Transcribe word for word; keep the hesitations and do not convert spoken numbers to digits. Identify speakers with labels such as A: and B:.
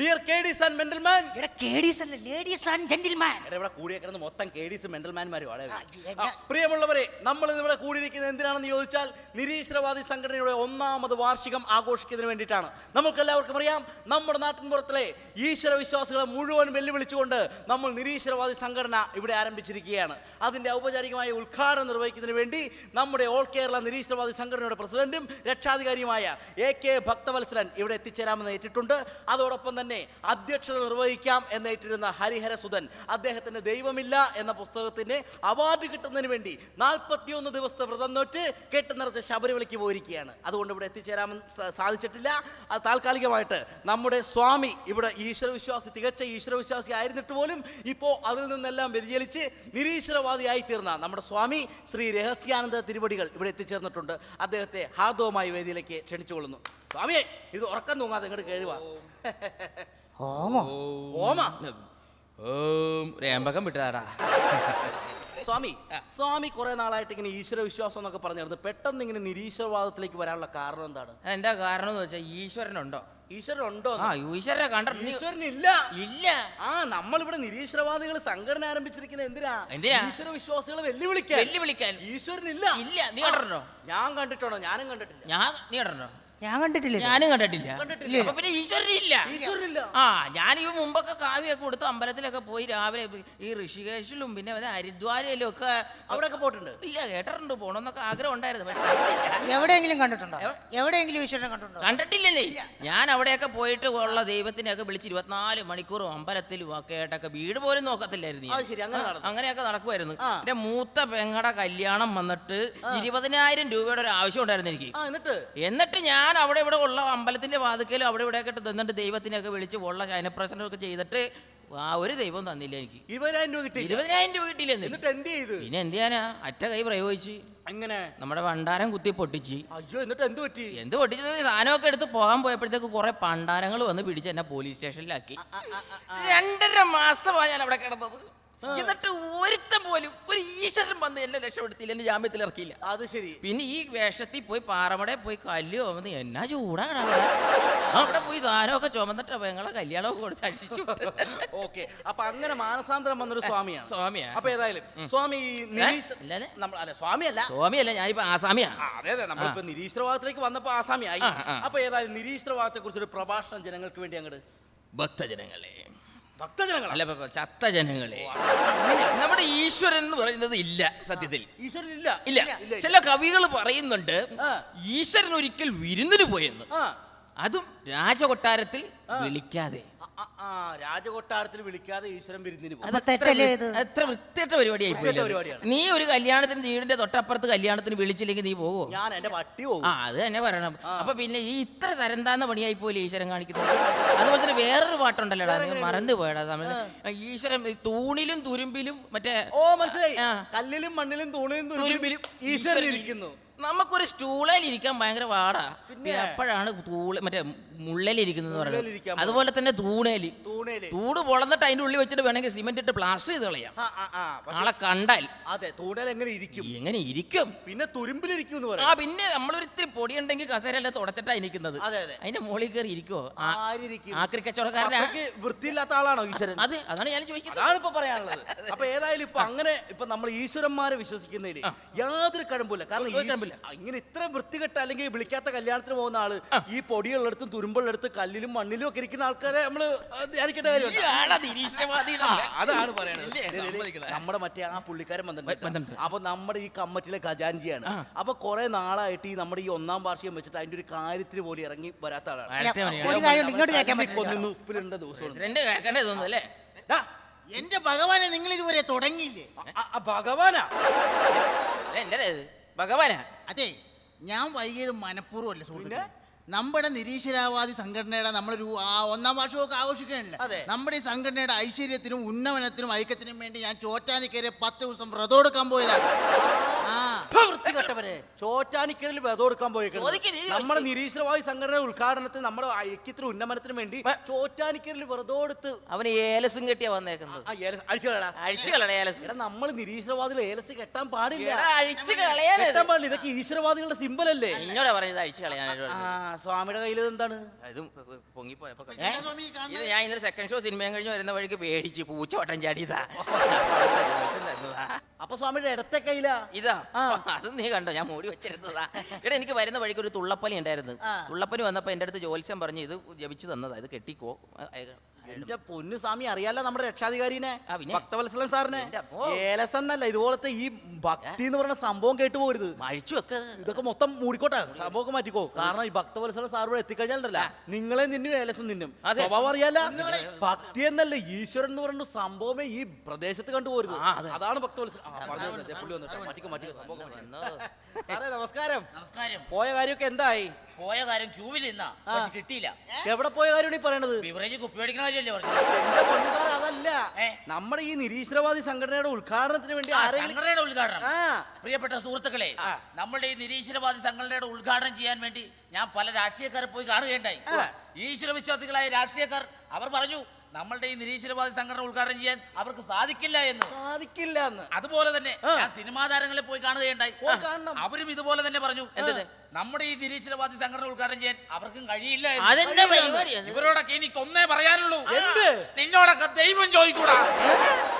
A: Dear കേഡീസ് and mental man.
B: എടാ കേഡീസ് അല്ല, ladies and gentleman.
A: എടാ ഇവിടെ കൂടിയേക്കുന്നത് മൊത്തം കേഡീസ് മെന്റൽമാൻമാരും വളരെ.
B: ആ, എന്നെ-
A: പ്രിയമുള്ളവരെ, നമ്മൾ ഇന്ന് ഇവിടെ കൂടിയിരിക്കുന്നത് എന്തിനാണെന്ന് ചോദിച്ചാൽ നിരീശ്വരവാദി സംഘടനയുടെ ഒന്നാമത് വാർഷികം ആഘോഷിക്കുന്നതിന് വേണ്ടിയിട്ടാണ്. നമുക്ക് എല്ലാവർക്കും അറിയാം, നമ്മുടെ നാട്ടിൻപുറത്തിലെ ഈശ്വര വിശ്വാസികളെ മുഴുവൻ വെല്ലുവിളിച്ചുകൊണ്ട് നമ്മൾ നിരീശ്വരവാദി സംഘടന ഇവിടെ ആരംഭിച്ചിരിക്കുകയാണ്. അതിന്റെ ഔപചാരികമായ ഉദ്ഘാടനം നിർവഹിക്കുന്നതിന് വേണ്ടി നമ്മുടെ ഓൾ കേരള നിരീശ്വരവാദി സംഘടനയുടെ പ്രസിഡന്റും രക്ഷാധികാരിയുമായ എ കെ ഭക്തവത്സരൻ ഇവിടെ എത്തിച്ചേരാമെന്ന് ഏറ്റിട്ടുണ്ട്. അതോടൊപ്പം തന്നെ അധ്യക്ഷത നിർവഹിക്കാം എന്നേറ്റിരുന്ന ഹരിഹര സുധൻ അദ്ദേഹത്തിന്റെ ദൈവമില്ല എന്ന പുസ്തകത്തിന് അവാർഡ് കിട്ടുന്നതിന് വേണ്ടി നാൽപ്പത്തിയൊന്ന് ദിവസത്തെ വ്രതം നോറ്റ് കെട്ട് നിറച്ച് ശബരിമലയ്ക്ക് പോയിരിക്കുകയാണ്. അതുകൊണ്ട് ഇവിടെ എത്തിച്ചേരാമെന്ന് സാധിച്ചിട്ടില്ല. അത് താൽക്കാലികമായിട്ട് നമ്മുടെ സ്വാമി ഇവിടെ ഈശ്വരവിശ്വാസി, തികച്ച ഈശ്വരവിശ്വാസി ആയിരുന്നിട്ട് പോലും ഇപ്പോൾ അതിൽ നിന്നെല്ലാം വ്യതിചലിച്ച് നിരീശ്വരവാദിയായി തീർന്ന നമ്മുടെ സ്വാമി ശ്രീ രഹസ്യാനന്ദ തിരുവടികൾ ഇവിടെ എത്തിച്ചേർന്നിട്ടുണ്ട്. അദ്ദേഹത്തെ ഹാർദവമായി വേദിയിലേക്ക് ക്ഷണിച്ചുകൊള്ളുന്നു. സ്വാമിയെ, ഇത് ഉറക്കം തൂങ്ങാതെ ഇങ്ങോട്ട് കേഴുവാ.
B: ഓമോ
A: ഓമ
C: ഓം രേമ്പകം വിട്ടതാടാ.
A: സ്വാമി സ്വാമി കുറെ നാളായിട്ട് ഇങ്ങനെ ഈശ്വര വിശ്വാസം എന്നൊക്കെ പറഞ്ഞിരുന്നു. പെട്ടെന്ന് ഇങ്ങനെ നിരീശ്വരവാദത്തിലേക്ക് വരാനുള്ള കാരണം എന്താണ്?
C: എന്താ കാരണം എന്ന് വെച്ചാൽ ഈശ്വരനുണ്ടോ?
A: ഈശ്വരൻ ഉണ്ടോ?
C: ആ ഈശ്വരനെ കണ്ടിട്ടുണ്ട്.
A: ഈശ്വരൻ ഇല്ല.
C: ഇല്ല.
A: ആ നമ്മളിവിടെ നിരീശ്വരവാദികൾ സംഘടന ആരംഭിച്ചിരിക്കുന്നത് എന്തിനാ?
C: എന്തിനാ?
A: ഈശ്വര വിശ്വാസികളെ വെല്ലുവിളിക്കാൻ.
C: വെല്ലുവിളിക്കാൻ.
A: ഈശ്വരൻ ഇല്ല.
C: ഇല്ല. നീ കണ്ടിട്ടുണ്ടോ?
A: ഞാൻ കണ്ടിട്ടുണ്ടോ? ഞാനും കണ്ടിട്ടില്ല.
C: ഞാൻ നീ കണ്ടിട്ടുണ്ടോ?
B: ഞാൻ കണ്ടിട്ടില്ല.
C: ഞാനും കണ്ടിട്ടില്ല.
A: കണ്ടിട്ടില്ല.
C: അപ്പൊ പിന്നെ ഈശ്വരനില്ല.
A: ഈശ്വരനില്ല.
C: ആ ഞാൻ ഈ മുമ്പൊക്കെ കാവ്യൊക്കെ കൊടുത്ത് അമ്പലത്തിലൊക്കെ പോയി രാവിലെ ഈ ഋഷികേശിലും പിന്നെ ഹരിദ്വാരയിലും ഒക്കെ
A: അവിടെയൊക്കെ പോയിട്ടുണ്ട്.
C: ഇല്ല കേട്ടിട്ടുണ്ട്, പോണമെന്നൊക്കെ ആഗ്രഹം ഉണ്ടായിരുന്നു. പക്ഷേ
B: എവിടെയെങ്കിലും കണ്ടിട്ടുണ്ടോ? എവിടെയെങ്കിലും ഈശ്വരനെ കണ്ടിട്ടുണ്ടോ?
C: കണ്ടിട്ടില്ലെന്നേ. ഞാൻ അവിടെയൊക്കെ പോയിട്ട് ഉള്ള ദൈവത്തിനെയൊക്കെ വിളിച്ച് ഇരുപത്തിനാല് മണിക്കൂറും അമ്പലത്തിലും ഒക്കെ ആയിട്ടൊക്കെ വീട് പോലും നോക്കത്തില്ലായിരുന്നു.
A: അത് ശരി, അങ്ങനെ നടന്നു.
C: അങ്ങനെയൊക്കെ നടക്കുമായിരുന്നു.
A: ആ.
C: എന്റെ മൂത്ത പെങ്ങടെ കല്യാണം വന്നിട്ട് ഇരുപതിനായിരം രൂപയുടെ ഒരു ആവശ്യം ഉണ്ടായിരുന്നു എനിക്ക്.
A: ആ എന്നിട്ട്
C: എന്നിട്ട് ഞാൻ അവിടെ ഇവിടെ ഉള്ള അമ്പലത്തിന്റെ വാതിക്കലും അവിടെ ഇവിടെ ഒക്കെ തന്നിട്ട് ദൈവത്തിനെയൊക്കെ വിളിച്ച് ഉള്ള ശയനപ്രസനം ഒക്കെ ചെയ്തിട്ട് ആ ഒരു ദൈവം തന്നില്ല എനിക്ക്.
A: ഇരുപതിനായിരം രൂപ കിട്ടി.
C: ഇരുപതിനായിരം രൂപ കിട്ടിയില്ലെന്ന്.
A: എന്നിട്ട് എന്ത് ചെയ്ത്?
C: പിന്നെ എന്ത് ചെയ്യാനാ, അറ്റ കൈ പ്രയോഗിച്ച്
A: എങ്ങനെ?
C: നമ്മുടെ ഭണ്ഡാരം കുത്തി പൊട്ടിച്ച്.
A: അയ്യോ, എന്നിട്ട് എന്ത് പറ്റി?
C: എന്ത് പൊട്ടിച്ചത്? സാധനമൊക്കെ എടുത്ത് പോകാൻ പോയപ്പോഴത്തേക്ക് കുറെ പണ്ടാരങ്ങൾ വന്ന് പിടിച്ച് എന്നെ പോലീസ് സ്റ്റേഷനിലാക്കി. രണ്ടര മാസമാണ് ഞാൻ അവിടെ കിടന്നത്. എന്നിട്ട് ഒരുത്തം പോലും ഒരു ഈശ്വരൻ വന്ന് എന്നെ രക്ഷപ്പെടുത്തിയില്ല, എന്നെ ജാമ്യത്തിൽ ഇറക്കിയില്ല.
A: അത് ശരി.
C: പിന്നെ ഈ വേഷത്തിൽ പോയി പാറമടയിൽ പോയി കല്ല് ചുമന്ന് എന്നാ ചൂടാണ് അവിടെ പോയി സാധനമൊക്കെ ചുമന്നിട്ട് ഞങ്ങളെ കല്യാണമൊക്കെ കൊടുത്ത് അടിച്ചു.
A: ഓക്കെ, അപ്പൊ അങ്ങനെ മാനസാന്തരം വന്നൊരു സ്വാമിയാണ്.
C: സ്വാമിയാ?
A: അപ്പൊ ഏതായാലും സ്വാമി നിരീശ്-
C: അല്ലാതെ?
A: നമ്മൾ അല്ല സ്വാമിയല്ല.
C: സ്വാമിയല്ല, ഞാനിപ്പോ ആസാമിയാ.
A: ആ, അതെ അതെ, നമ്മളിപ്പോ നിരീശ്വരവാദത്തിലേക്ക് വന്നപ്പോ ആസാമി ആയി.
C: ആ, ആ.
A: അപ്പൊ ഏതായാലും നിരീശ്വരവാദത്തെ കുറിച്ച് ഒരു പ്രഭാഷണം ജനങ്ങൾക്ക് വേണ്ടി അങ്ങോട്ട്.
C: ഭക്തജനങ്ങളെ,
A: ഭക്തജനങ്ങൾ
C: അല്ല ഇപ്പൊ ചത്ത ജനങ്ങളെ, നമ്മുടെ ഈശ്വരൻ എന്ന് പറയുന്നത് ഇല്ല സത്യത്തിൽ.
A: ഈശ്വരൻ ഇല്ല.
C: ഇല്ല.
A: ഇല്ല.
C: ചില കവികൾ പറയുന്നുണ്ട്
A: ആ.
C: ഈശ്വരൻ ഒരിക്കൽ വിരുന്നിന് പോയെന്ന്,
A: ആ
C: അതും രാജകൊട്ടാരത്തിൽ വിളിക്കാതെ.
A: ആ, ആ, രാജകൊട്ടാരത്തിൽ വിളിക്കാതെ ഈശ്വരൻ വിരുന്നിന് പോകും.
B: അത് തെറ്റല്ലേ ഇത്?
C: എത്ര വൃത്തിയായിട്ട പരിപാടിയായി
A: വൃത്തികെട്ട പരിപാടിയാണ്.
C: നീ ഒരു കല്യാണത്തിന് വീടിന്റെ തൊട്ടപ്പുറത്ത് കല്യാണത്തിന് വിളിച്ചില്ലെങ്കിൽ നീ പോവോ?
A: ഞാൻ എന്റെ പട്ടി പോകും.
C: ആ അത് തന്നെ പറയണം. അപ്പൊ പിന്നെ ഈ ഇത്ര തരംതാന്ന പണിയായി പോലെ ഈശ്വരൻ കാണിക്കുന്നത്. അതുപോലെ തന്നെ വേറൊരു പാട്ടുണ്ടല്ലോടാ, നീ മറന്നു പോയടാ സമയത്ത്. ഈശ്വരൻ ഈ തൂണിലും തുരുമ്പിലും മറ്റേ
A: ഓ മനസ്സിലായി.
C: ആ.
A: കല്ലിലും മണ്ണിലും തൂണിലും
C: തുരുമ്പിലും
A: ഈശ്വരൻ ഇരിക്കുന്നു.
C: നമുക്കൊരു സ്റ്റൂളിൽ ഇരിക്കാൻ ഭയങ്കര പാടാ.
A: പിന്നെ?
C: എപ്പോഴാണ് തൂള് മറ്റേ മുള്ളലിരിക്കുന്നത്
A: മുള്ളേലിരിക്കാൻ
C: പറയുന്നത്. അതുപോലെ തന്നെ തൂണേല്
A: തൂണേല്.
C: തൂട് പൊളന്നിട്ട് അതിന്റെ ഉള്ളിൽ വെച്ചിട്ട് വേണമെങ്കിൽ സിമെന്റ് ഇട്ട് പ്ലാസ്റ്റർ ചെയ്ത് കളയാം.
A: ആ, ആ, ആ, പക്ഷെ-
C: ആളെ കണ്ടാൽ
A: അതെ, തൂണേൽ എങ്ങനെ ഇരിക്കും?
C: എങ്ങനെ ഇരിക്കും?
A: പിന്നെ തുരുമ്പിലിരിക്കും എന്ന്
C: ആ
A: പറയാം.
C: പിന്നെ നമ്മളൊരിത്തിരി പൊടിയുണ്ടെങ്കിൽ കസേരല്ല തുടച്ചിട്ടാ ഇരിക്കുന്നത്.
A: അതെ അതെ.
C: അതിന്റെ മുകളിൽ കയറി ഇരിക്കുവോ?
A: ആരിരിക്കും?
C: ആക്രി കച്ചവടക്കാരനാ.
A: അത്രയ്ക്ക് വൃത്തിയില്ലാത്ത ആളാണോ ഈശ്വരൻ?
C: അത് അതാണ് ഞാൻ ചോദിക്കുന്നത്.
A: അതാണ് ഇപ്പൊ പറയാനുള്ളത്. അപ്പൊ ഏതായാലും ഇപ്പൊ അങ്ങനെ ഇപ്പൊ നമ്മൾ ഈശ്വരന്മാരെ വിശ്വസിക്കുന്നതിൽ യാതൊരു കഴമ്പില്ല. കാരണം
C: ഒരു
A: ഈശ്വ-
C: കഴമ്പില്ല.
A: ഇങ്ങനെ ഇത്ര വൃത്തികെട്ട അല്ലെങ്കിൽ വിളിക്കാത്ത കല്യാണത്തിന് പോകുന്ന ആള് ഈ പൊടിയുള്ളിടത്തും തുരുമ്പുള്ളിടത്ത് കല്ലിലും മണ്ണിലും ഒക്കെ ഇരിക്കുന്ന ആൾക്കാരെ നമ്മള് ധ്യാനിക്കേണ്ട കാര്യമുണ്ട്.
C: ഇയാളാ നിരീശ്വരവാദിയുടെ
A: ആ, അതാണ് പറയണത്.
C: ഇല്ലേ?
A: ദേ, ദേ, ദേ,
C: സമ്മതിക്കണേ.
A: നമ്മുടെ മറ്റേ ആ പുള്ളിക്കാരൻ
C: വന്നിട്ടുണ്ട്.
A: വന്നിട്ടുണ്ട്. അപ്പൊ നമ്മുടെ ഈ കമ്മിറ്റിയിലെ ഖജാൻജിയാണ്. അപ്പൊ കുറെ നാളായിട്ട് ഈ നമ്മുടെ ഈ ഒന്നാം വാർഷികം വെച്ചിട്ട് അതിന്റെ ഒരു കാര്യത്തിന് പോലും ഇറങ്ങി വരാത്ത ആളാണ്.
C: വരട്ടെ മതി.
B: ഒരു കാര്യം ഇങ്ങോട്ട് കേൾക്കാൻ പറ്റില്ല.
A: കൊന്നു ഉപ്പിലിണ്ട ദിവസം
C: പ്രസിഡന്റ് കേൾക്കണ്ടേ തോന്നുന്നു അല്ലേ?
D: എന്റെ ഭഗവാനെ, നിങ്ങൾ ഇതുവരെ തുടങ്ങിയില്ലേ?
A: ഭഗവാനാ
C: എന്റെ ഭഗവാനാ.
D: അതെ, ഞാൻ വൈകിയത് മനഃപൂർവ്വമല്ല സുഹൃത്തുക്കളെ. നമ്മുടെ നിരീശ്വരവാദി സംഘടനയുടെ നമ്മളൊരു ആ ഒന്നാം വർഷമൊക്കെ ആഘോഷിക്കണില്ല.
A: അതെ.
D: നമ്മുടെ ഈ സംഘടനയുടെ ഐശ്വര്യത്തിനും ഉന്നമനത്തിനും ഐക്യത്തിനും വേണ്ടി ഞാൻ ചോറ്റാനിക്കരെ പത്ത് ദിവസം വ്രതം എടുക്കാൻ പോയതാണ്. ആ
A: വൃത്തികെട്ടവരെ ചോറ്റാനിക്കലിൽ വെതം കൊടുക്കാൻ
C: ചോദിക്ക്, നീ
A: പോയേക്കുന്നത്
C: ചോദിക്ക്.
A: നമ്മുടെ നിരീശ്വരവാദി സംഘടന ഉദ്ഘാടനത്തിന് നമ്മുടെ ഐക്യത്തിന് ഉന്നമനത്തിന് വേണ്ടി ചോറ്റാനിക്കലിൽ വെറുതെ കൊടുത്ത്
C: അവന് ഏലസും കെട്ടിയാ വന്നേക്കുന്നത്.
A: അഴിച്ചു കളടാ
C: അഴിച്ചു കളയാ ഏലസ്.
A: എടാ നമ്മൾ നിരീശ്വരവാദികൾ ഏലസ് കെട്ടാൻ പാടില്ല
C: എടാ, അഴിച്ചു കളയാനത്.
A: കെട്ടാൻ പാടില്ല ഇതൊക്കെ ഈശ്വരവാദികളുടെ സിമ്പൽ അല്ലേ
C: എന്നോടാ പറഞ്ഞത് അഴിച്ചു കളയാനായിട്ട്
A: ആ
C: പറഞ്ഞത്.
A: സ്വാമിയുടെ കയ്യിൽ എന്താണ്
C: ഇതും പൊങ്ങിപ്പോയപ്പോ
D: ഏ? സ്വാമി
C: ഇത്
D: കാണുന്നത്?
C: ഞാൻ ഇന്നലെ സെക്കൻഡ് ഷോ സിനിമയും കഴിഞ്ഞ് വരുന്ന വഴിക്ക് പേടിച്ച് പൂച്ച വട്ടം ചാടിയതാ.
A: അപ്പൊ സ്വാമിയുടെ ഇടത്തെ കയ്യിലാ
C: ഇതാ
A: ആ.
C: അത് നീ കണ്ടോ, ഞാൻ മൂടി വെച്ചിരുന്നതാ. എടാ എനിക്ക് വരുന്ന വഴിക്ക് ഒരു തുള്ളപ്പനി ഉണ്ടായിരുന്നു.
A: ആ.
C: തുള്ളപ്പനി വന്നപ്പോ എന്റെ അടുത്ത് ജോത്സ്യം പറഞ്ഞു ഇത് ജപിച്ചു തന്നതാ, ഇത് കെട്ടിക്കോ.
A: എന്റെ പൊന്നു സ്വാമി അറിയാലോ നമ്മുടെ രക്ഷാധികാരിനെ
C: ആ, പിന്നെ?
A: ഭക്തവത്സലൻ സാറിനെ
C: എന്റെ അമ്മോ.
A: ഏലസ് എന്നല്ല ഇതുപോലത്തെ ഈ ഭക്തി എന്ന് പറയുന്ന സംഭവം കേട്ടു പോകരുത്
C: അഴിച്ചു വെക്കത്.
A: ഇതൊക്കെ മൊത്തം മൂടിക്കോട്ടെ സംഭവമൊക്കെ മാറ്റിക്കോ കാരണം ഈ ഭക്തവത്സല സാർ ഇവിടെ എത്തിക്കഴിഞ്ഞാലല്ല നിങ്ങളെ നിന്നും ഏലസും നിന്നും
C: അതെ.
A: സ്വഭാവം അറിയാല ഭക്തി എന്നല്ല ഈശ്വരൻ എന്ന് പറയുന്ന സംഭവമേ ഈ പ്രദേശത്ത് കണ്ടുപോരുത്
C: ആ, അതെ.
A: അതാണ് ഭക്തവത്സല ആ, പറഞ്ഞു വന്നു. ദേ പുള്ളി വന്നു. മാറ്റിക്കോ മാറ്റിക്കോ സംഭവം
C: വന്നോ.
A: സാറേ നമസ്കാരം
E: നമസ്കാരം.
A: പോയ കാര്യമൊക്കെ എന്തായി
E: പോയ കാര്യം ക്യൂവിൽ നിന്നാ
A: ആ.
E: പക്ഷെ കിട്ടിയില്ല.
A: എവിടെ പോയ കാര്യമാണ് ഈ പറയണത്
E: ബിവറേജ് കുപ്പി മേടിക്കുന്ന കാര്യമല്ലേ പറഞ്ഞു.
A: എന്റെ പൊന്നു സാറേ അതല്ല
E: ഏ?
A: നമ്മുടെ ഈ നിരീശ്വരവാദി സംഘടനയുടെ ഉദ്ഘാടനത്തിന് വേണ്ടി
E: ആ,
A: ആരെങ്കിലും
E: സംഘടനയുടെ ഉദ്ഘാടനം.
A: ആ
E: പ്രിയപ്പെട്ട സുഹൃത്തുക്കളെ,
A: ആ.
E: നമ്മുടെ ഈ നിരീശ്വരവാദി സംഘടനയുടെ ഉദ്ഘാടനം ചെയ്യാൻ വേണ്ടി ഞാൻ പല രാഷ്ട്രീയക്കാരെ പോയി കാണുകയുണ്ടായി.
A: ആ.
E: ഈശ്വര വിശ്വാസികളായ രാഷ്ട്രീയക്കാർ അവർ പറഞ്ഞു നമ്മളുടെ ഈ നിരീശ്വരവാദി സംഘടന ഉദ്ഘാടനം ചെയ്യാൻ അവർക്ക് സാധിക്കില്ല എന്ന്.
A: സാധിക്കില്ല എന്ന്
E: അതുപോലെ തന്നെ
A: ആ.
E: ഞാൻ സിനിമാ താരങ്ങളെ പോയി കാണുകയുണ്ടായി.
A: പോയി കാണണം.
E: അവരും ഇതുപോലെ തന്നെ പറഞ്ഞു
C: എന്ത്?
E: നമ്മുടെ ഈ നിരീശ്വരവാദി സംഘടന ഉദ്ഘാടനം ചെയ്യാൻ അവർക്കും കഴിയില്ല
C: അതെന്താ
E: എന്ന്.
C: പരിപാടി അത്?
E: ഇവരോടൊക്കെ എനിക്ക് ഒന്നേ പറയാനുള്ളൂ.
A: എന്ത്?
E: നിന്നോടൊക്കെ ദൈവം ചോദിക്കൂടാ.